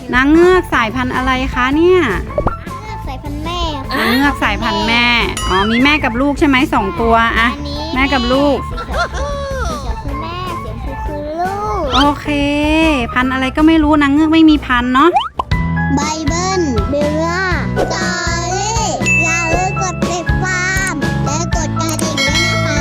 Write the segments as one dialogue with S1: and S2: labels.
S1: นางเงือกสายพันธุ์อะไรคะเนี่ย
S2: สายพันธุ์แม่
S1: นางเงือกสายพันธุ์แม่อ๋อมีแม่กับลูกใช่ไหม2 ตัวอะแม่กับลูก
S2: สีเขียวคือแม่สีชมพูคือลูก
S1: โอเคพันธุ์อะไรก็ไม่รู้นางเงือกไม่มีพันธุ์เนาะ
S2: ไบเบิลเบลล่าจอรี่อย่าลืมกดติดตามและกดกระดิ่งด้วย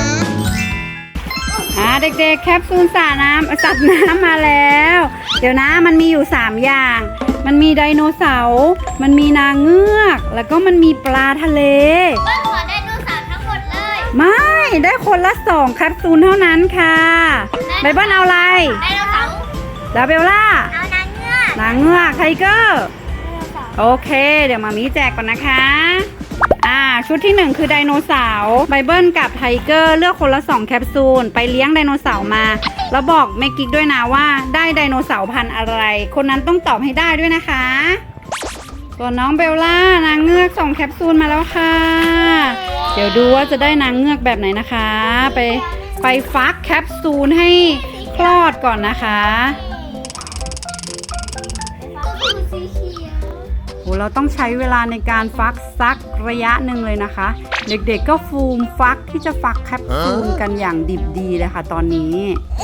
S2: นะคะ
S1: เด็กๆแคปซูลสัตว์น้ำมาแล้ว เดี๋ยวนะมันมีอยู่3อย่างมันมีไดโนเสาร์มันมีนางเงือกแล้วก็มันมีปลาทะเล
S2: เบิ้ลขอไดโนเสาร์ทั้งหมดเลย
S1: ไม่ได้คนละ2แคปซูลเท่านั้นค่ะไบเบิลเอาอะไร
S2: ไดโนเสาร์
S1: ลาเบลล่า
S2: เอานางเงือก
S1: ไทเกอร์โอเคเดี๋ยวมามีแจกก่อนนะคะชุดที่1คือไดโนเสาร์ไบเบิลกับไทเกอร์เลือกคนละ2แคปซูลไปเลี้ยงไดโนเสาร์มาแล้วบอกแม่กิ๊กด้วยนะว่าได้ไดโนเสาร์พันธุ์อะไรคนนั้นต้องตอบให้ได้ด้วยนะคะส่วนน้องเบลล่านางเงือก2แคปซูลมาแล้วค่ะเดี๋ยวดูว่าจะได้นางเงือกแบบไหนนะคะไปฟักแคปซูลให้คลอดก่อนนะคะโหเราต้องใช้เวลาในการฟักสักระยะหนึ่งเลยนะคะเด็กๆก็ฟูมฟักที่จะฟักแคปซูลกันอย่างดิบดีเลยค่ะตอนนี้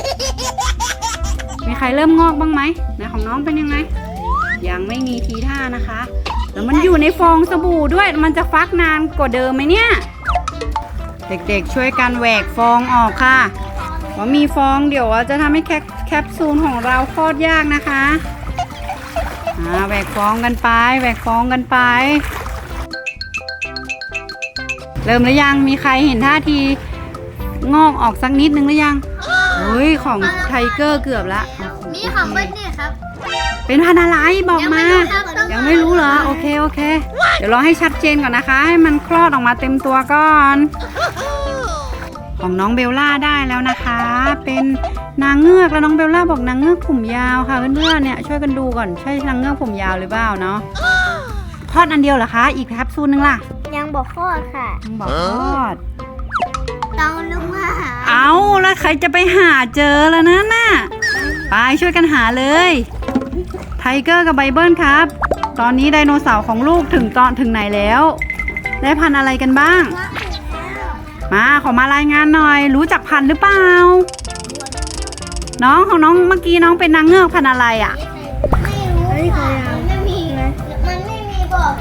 S1: มีใครเริ่มงอกบ้างไหมนะของน้องเป็นยังไงยังไม่มีทีท่านะคะแล้วมันอยู่ในฟองสบู่ด้วยมันจะฟักนานกว่าเดิมไหมเนี่ยเด็กๆช่วยกันแหวกฟองออกค่ะเพราะมีฟองเดี๋ยวจะทำให้แคปซูลของเราคลอดยากนะคะแหวกฟองกันไปเริ่มหรือยังมีใครเห็นท่าทีงอกออกสักนิดนึงหรือยังเฮ้ยของไทเกอร์เกือบละ
S2: นี่ของเบิ้ลเนี่ยครับ
S1: เป็นพันธุ์อะไรบอกมายังไม่รู้เหรอโอเคเดี๋ยวรอให้ชัดเจนก่อนนะคะให้มันคลอดออกมาเต็มตัวก่อนของน้องเบลล่าได้แล้วนะคะเป็นนางเงือกแล้วน้องเบลล่าบอกนางเงือกผมยาวค่ะเพื่อนๆเนี่ยช่วยกันดูก่อนใช่นางเงือกผมยาวหรือเปล่าเนาะคลอดอันเดียวเหรอคะอีกแคปซูลนึงล่ะ
S2: ยังบอกคลอดค่ะ
S1: ยังบอกคลอด
S2: ต้องลงมาหา
S1: เอาแล้วใครจะไปหาเจอแล้วนะน่ะไปช่วยกันหาเลยไทเกอร์กับไบเบิลครับตอนนี้ไดโนเสาร์ของลูกถึงไหนแล้วได้พันธุ์อะไรกันบ้างขอมารายงานหน่อยรู้จักพันธุ์หรือเปล่าน้องของน้องเมื่อกี้น้องเป็นนางเงือกพันธุ์อะไรอ่ะ
S2: ไม่รู้ค่ะมันไม่มีบอก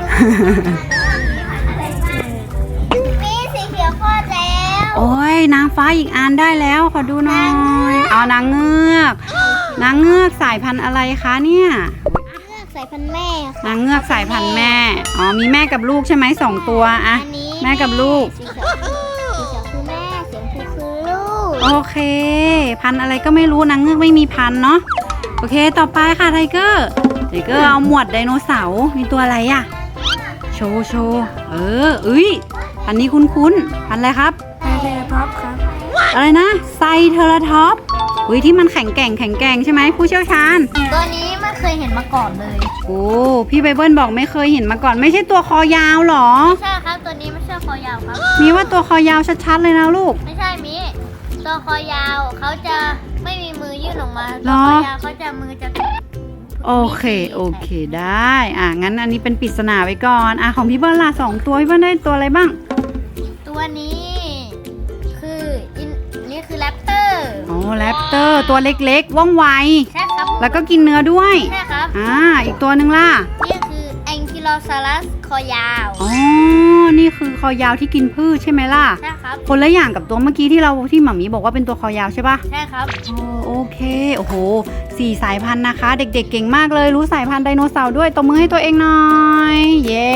S2: มีสีเขียวคลอดแล้ว
S1: โอ้ยนางฟ้าอีกอันได้แล้วขอดูหน่อยเอานางเงือกสายพันธุ์อะไรคะเนี่ย
S2: สายพันธุ์แม่
S1: นางเงือกสายพันธุ์แม่อ๋อมีแม่กับลูกใช่ไหม2 ตัวอะแม่กับลูก
S2: สีเขียวคือแม่สีชมพูคือลูก
S1: โอเคพันธุ์อะไรก็ไม่รู้นางเงือกไม่มีพันธุ์เนาะโอเคต่อไปค่ะไทเกอร์เอาหมวดไดโนเสาร์มีตัวอะไรอะโชว์พันนี้คุ้นพันอะไรครับ
S2: ไซเทอราท็อปครับ
S1: อะไรนะไซเทอราท็อปที่มันแข็งแกร่งใช่ไหมผู้เชี่ยวชาญ
S2: ตัวนี้ไม่เคยเห็นมาก่อนเลย
S1: โอ้พี่ไบเบิลบอกไม่เคยเห็นมาก่อนไม่ใช่ตัวคอยาวหรอ
S2: ไม่ใช่ครับตัวนี้ไม่ใช่คอยาวครับ
S1: มีว่าตัวคอยาวชัดๆเลยนะลูก
S2: ไม่ใช่มีตัวคอยาวเขาจะไม่มีมือยื่นออกมาตัวคอยาวเขาจะมือจะ
S1: โอเคได้งั้นอันนี้เป็นปริศนาไว้ก่อนของพี่เบิลล่ะ2 ตัวพี่เบิลได้ตัวอะไรบ้าง
S2: ตัวนี้นี่คือแรปเตอร์
S1: แรปเตอร์ตัวเล็กๆว่องไว
S2: ใช่ครับ
S1: แล้วก็กินเนื้อด้วย
S2: ใช่ครับ
S1: อีกตัวหนึ่งล่ะ
S2: นี่คือแองกิโลซารัสคอยาว
S1: นี่คือคอยาวที่กินพืชใช่ไหมล่ะ
S2: ใช่ครับ
S1: คนละอย่างกับตัวเมื่อกี้ที่หม่ามีบอกว่าเป็นตัวคอยาวใช่ปะ
S2: ใช่ครับ
S1: โอเคโอ้โห4 สายพันธุ์นะคะเด็กๆเก่งมากเลยรู้สายพันธุ์ไดโนเสาร์ด้วยตบมือให้ตัวเองหน่อยเย้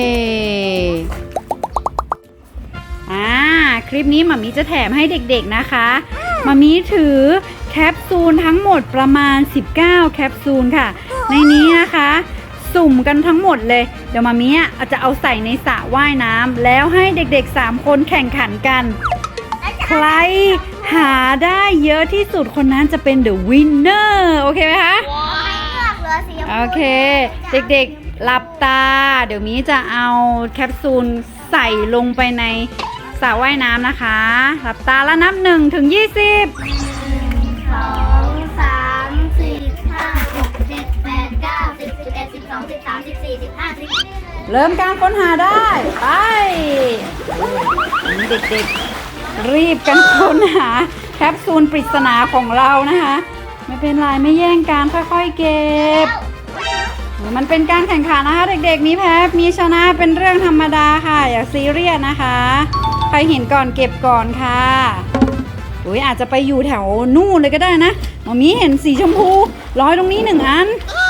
S1: คลิปนี้หม่ามีจะแถมให้เด็กๆนะคะหม่ามีถือแคปซูลทั้งหมดประมาณ19แคปซูลค่ะในนี้นะคะสุ่มกันทั้งหมดเลยเดี๋ยวหม่ามีจะเอาใส่ในสระว่ายน้ำแล้วให้เด็กๆ3 คนแข่งขันกันใครหาได้เยอะที่สุดคนนั้นจะเป็น the winner โอเคไหมคะโอเคเด็กๆหลับตาเดี๋ยวมีจะเอาแคปซูลใส่ลงไปในสระว่ายน้ำนะคะหลับตาแล้วนับ1 ถึง 20
S2: 1 2 3 4 5 6 7 8 9 10 11 30 40 50
S1: เริ่มการค้นหาได้ ไปเด็กๆรีบกันค้นหาแคปซูลปริศนาของเรานะคะ ไม่เป็นไรไม่แย่งกันค่อยๆเก็บ มันเป็นการแข่งขันนะคะเด็กๆมีแพ้มีชนะเป็นเรื่องธรรมดาค่ะอย่าซีเรียสนะคะใครเห็นก่อนเก็บก่อนค่ะอุ้ยอาจจะไปอยู่แถวนู่นเลยก็ได้นะหมอมีเห็นสีชมพูลอยตรงนี้1 อัน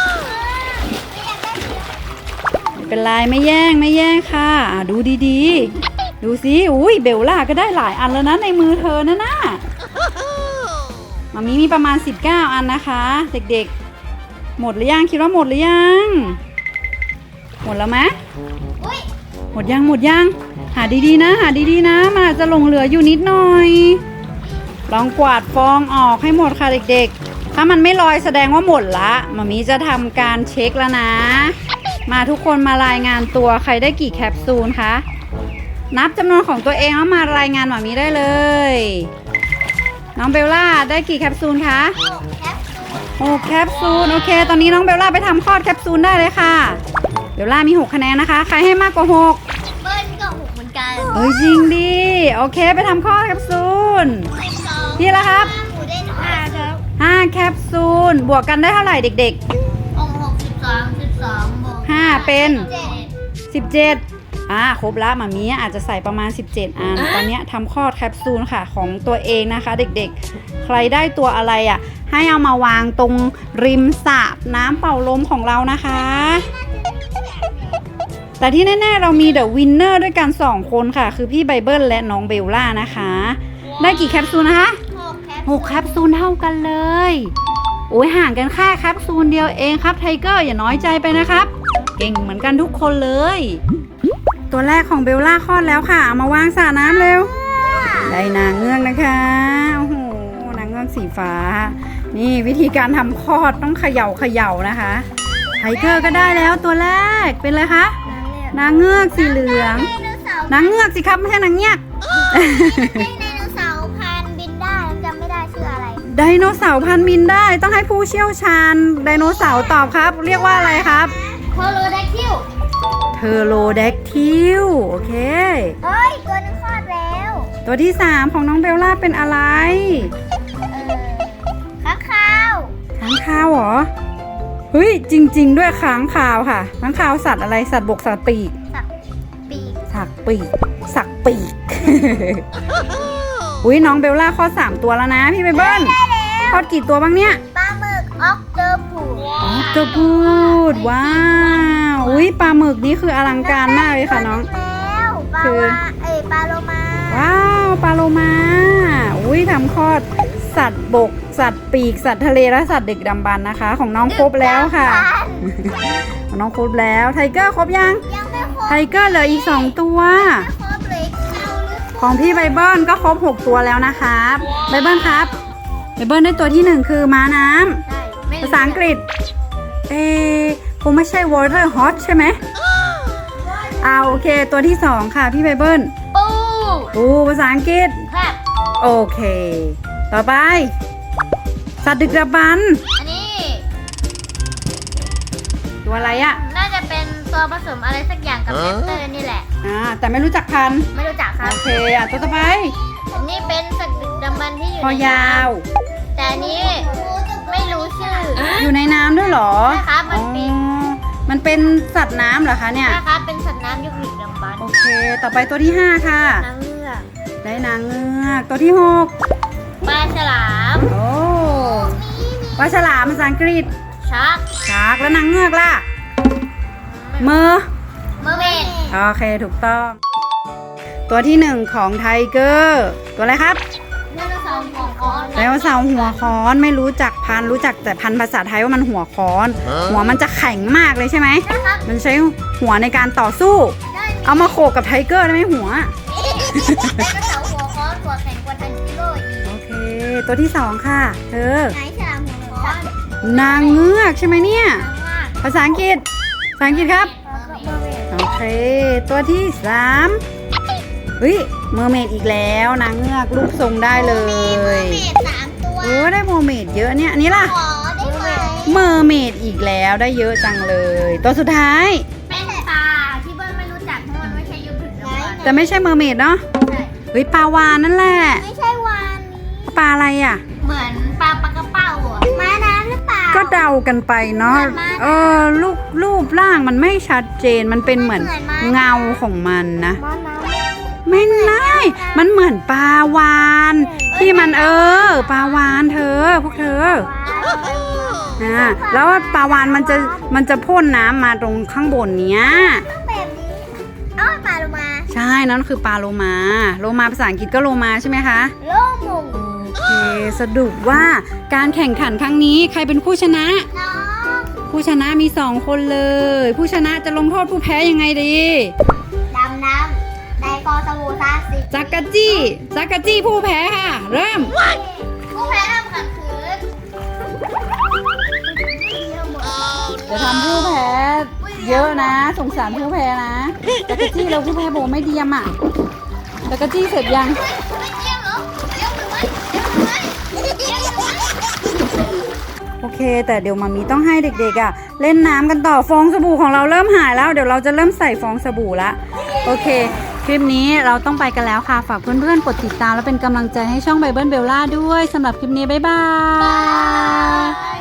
S1: ไม่เป็นไรไม่แย่งค่ะดูดีๆดูสิอุ้ยเบลล่าก็ได้หลายอันแล้วนะในมือเธอนะน่ะหมอมีประมาณ19 อันนะคะเด็กๆหมดหรือยังคิดว่าหมดหรือยังหมดแล้วไหมหมดยังหาดีๆนะมันอาจจะหลงเหลืออยู่นิดหน่อยลองกวาดฟองออกให้หมดค่ะเด็กๆถ้ามันไม่ลอยแสดงว่าหมดละหมอมีจะทำการเช็คแล้วนะมาทุกคนมารายงานตัวใครได้กี่แคปซูลคะนับจำนวนของตัวเองแล้วมารายงานหมอมีได้เลยน้องเบลล่าได้กี่แคปซูลคะ6 แคปซูลโอเคตอนนี้น้องเบลล่าไปทำคลอดแคปซูลได้เลยค่ะเบลล่ามี6 คะแนนนะคะใครให้มากกว่า6
S2: เบิ้ลก็6เหมือนกัน
S1: เฮ้ยจริงดิโอเคไปทำคลอดแคปซูลพี่ละครับ
S2: หมูได้5ครับ
S1: 5 แคปซูลบวกกันได้เท่าไหร่เด็ก
S2: 12 บวก
S1: 5เป็น
S2: 7
S1: 17ครบละหมามีอาจจะใส่ประมาณ17 อันตอนนี้ทำคลอดแคปซูลค่ะของตัวเองนะคะเด็กๆใครได้ตัวอะไรอ่ะให้เอามาวางตรงริมสระน้ำเป่าลมของเรานะคะแต่ที่แน่ๆเรามีเดอะวินเนอร์ด้วยกัน2 คนค่ะคือพี่ไบเบิลและน้องเบลล่านะคะได้กี่แคปซูลนะคะ6 แคปซูลเท่ากันเลยโอ้ยห่างกันแค่แคปซูลเดียวเองครับไทเกอร์อย่าน้อยใจไปนะครับเก่งเหมือนกันทุกคนเลยตัวแรกของเบลล่าคลอดแล้วค่ะเอามาวางสระน้ำเร็วได้นางเงือกนะคะโอ้โหนางเงือกสีฟ้านี่วิธีการทำคลอดต้องเขย่านะคะไทเกอร์ก็ได้แล้วตัวแรกเป็นอะไรคะนางเงือกสีเหลืองนางเงือกสิครับไม่ใช่นางเงียก
S2: ไดโนเสาร์พันบินได้จำไม่ได้ชื่ออะไร
S1: ไดโนเสาร์พันบินได้ต้องให้ผู้เชี่ยวชาญไดโนเสาร์ตอบครับเรียกว่าอะไรครับ
S2: เทอโรแดคทิล
S1: โอเค
S2: เฮ้ยตัวนึงคลอดแล้ว
S1: ตัวที่3ของน้องเบลล่าเป็นอะไร
S2: ค้างคาว
S1: เหรอเฮ้ยจริงๆด้วยค้างคาวค่ะค้างคาวสัตว์อะไรสัตว์บกสัตว์ปีกสัตว์ปีกอุ้ยน้องเบลล่าคลอด3 ตัวแล้วนะพี่ไบเบิ้ลคลอดกี่ตัวบ้างเนี่ย
S2: ปลาหมึกออกเตอร์
S1: พูดว้าวอุ้ยปลาหมึกนี่คืออลังการมากเลยค่ะน้อง
S2: คือปลาโลมา
S1: ว้าวปลาโลมาอุ้ยทำคลอดสัตว์บกสัตว์ปีกสัตว์ทะเลและสัตว์ดึกดำบรรพ์นะคะของน้องครบแล้วค่ะของน้องครบแล้วไทเกอร์ครบยังไทเกอร์เหลืออีก2 ตัวของพี่ไบเบิลก็ครบ6 ตัวแล้วนะครับไบเบิลครับไบเบิลได้ตัวที่1คือม้าน้ำภาษาอังกฤษคงไม่ใช่ water hot ใช่ไหมโอเคตัวที่2ค่ะพี่ไบเบิลปูภาษาอังกฤษโอเคต่อไปสัตว์ดึกดำบรรพ์
S2: อันนี้
S1: ตัวอะไรอะ
S2: น่าจะเป็นตัวผสมอะไรสักอย่างกับแรปเตอร์นี่แหละ
S1: แต่ไม่รู้จักพันธุ์
S2: ไม่รู้จักครับ
S1: โอเคตัวต่อไป
S2: อันนี้เป็นสัตว์ดึกดำบรรพ์ที่อยู่
S1: คอยาว
S2: แต่อันนี้ไม่รู้ชื่อ
S1: อยู่ในน้ำด้วยเหรอ
S2: ใช่ครับ
S1: มันเป็นสัตว์น้ำเหรอคะเนี่ย
S2: ใช่ครับเป็นสัตว์น้ำยุคดึกดำบรรพ์
S1: โอเคต่อไปตัวที่5ค่ะ
S2: นางเงือก
S1: ได้นางเงือกตัวที่6
S2: ปลาฉลาม
S1: ปลาฉลามภาษาอังกฤษ
S2: ชาร์ก
S1: แล้วนางเงือกล่ะเมอร์
S2: เมด
S1: โอเคถูกต้องตัวที่1ของไทเกอร์ตัวอะไรครับ
S2: ไดโนเสาร์หัว
S1: ค้อนไม่รู้จักพันธุ์รู้จักแต่พันธุ์ภาษาไทยว่ามันหัวค้อนหัวมันจะแข็งมากเลยใช่ไหมมันใช้หัวในการต่อสู้เอามาโขกกับไทเกอร์ได้ไหมหัว
S2: ไดโนเสาร์หัวค้อนหัวแข็งกว่าทันจิโร่อีก
S1: โอเคตัวที่2ค่ะ
S2: ไหนฉลามหัวค้อน
S1: นางเงือกใช่ไหมเนี่ยภาษาอังกฤษครับโอเคตัวที่3เฮ้ยเมอร์เมดอีกแล้วนางเงือกรูปทรงได้เลย
S2: 3 ตัว
S1: ได้โมเมดเยอะเนี่ยอันนี้ล่ะ
S2: ได้ไหม
S1: โมเมอร์เมดอีกแล้วได้เยอะจังเลย ตัวสุดท้าย
S3: เป็นปลาที่เบิ้ลไม่รู้จักเพราะมันไม่ใช่ยุคถึงน้ำมัน
S1: แต่ไม่ใช่เมอร์เมดเนาะ
S3: ใช่
S1: เฮ้ยปลาวาฬนั่นแหละ
S2: ไม่ใช่วานนี้
S1: ปลาอะไรอ่ะ
S3: เหมือนปลากระเป๋าอ่ะ
S2: ม้าน้ำหรือเปล่า
S1: ก็เดากันไปเนาะรูปร่างมันไม่ชัดเจนมันเป็นเหมือนเงาของมันนะ
S2: ม้าน้
S1: ไม่ได้มันเหมือนปลาวาฬที่มันปลาวาฬพวกเธอ แล้วปลาวาฬมันจะพ่นน้ำมาตรงข้างบนเนี้ย
S2: ำแบบนี้เอาปลาโลมา
S1: ใช่นั่นคือปลาโลมาภาษาอังกฤษก็โลมาใช่ไหมคะ
S2: โลมุง
S1: โอเคสรุปว่าการแข่งขันครั้งนี้ใครเป็นผู้ชนะ
S2: น้อง
S1: ผู้ชนะมี2คนเลย ผู้ชนะจะลงโทษผู้แพ้ยังไงดี
S2: ดำน้ำในกอสบูซาสิ
S1: จักรจี้ผู้แพ้ค่ะ เริ่ม
S3: ผู้แพ้ทำขัดขืน
S1: เดี๋ยวทำผู้แพ้เยอะนะ สงสารผู้แพ้นะจักรจี้เราผู้แพ้โบไม่เดียมอ่ะจักรจี้เสร็จยัง
S3: ไม่เยี่ยมเหรอเยี่ยมหรือไม่เยี่ยมหรือไม่เยี่ยมหรือไม่
S1: โอเค แต่เดี๋ยวมามีต้องให้เด็กๆอ่ะเล่นน้ำกันต่อฟองสบู่ของเราเริ่มหายแล้วเดี๋ยวเราจะเริ่มใส่ฟองสบู่ละโอเค คลิปนี้เราต้องไปกันแล้วค่ะฝากเพื่อนๆกดติดตามและเป็นกำลังใจให้ช่องไบเบิลเบลล่าด้วยสำหรับคลิปนี้บ๊ายบาย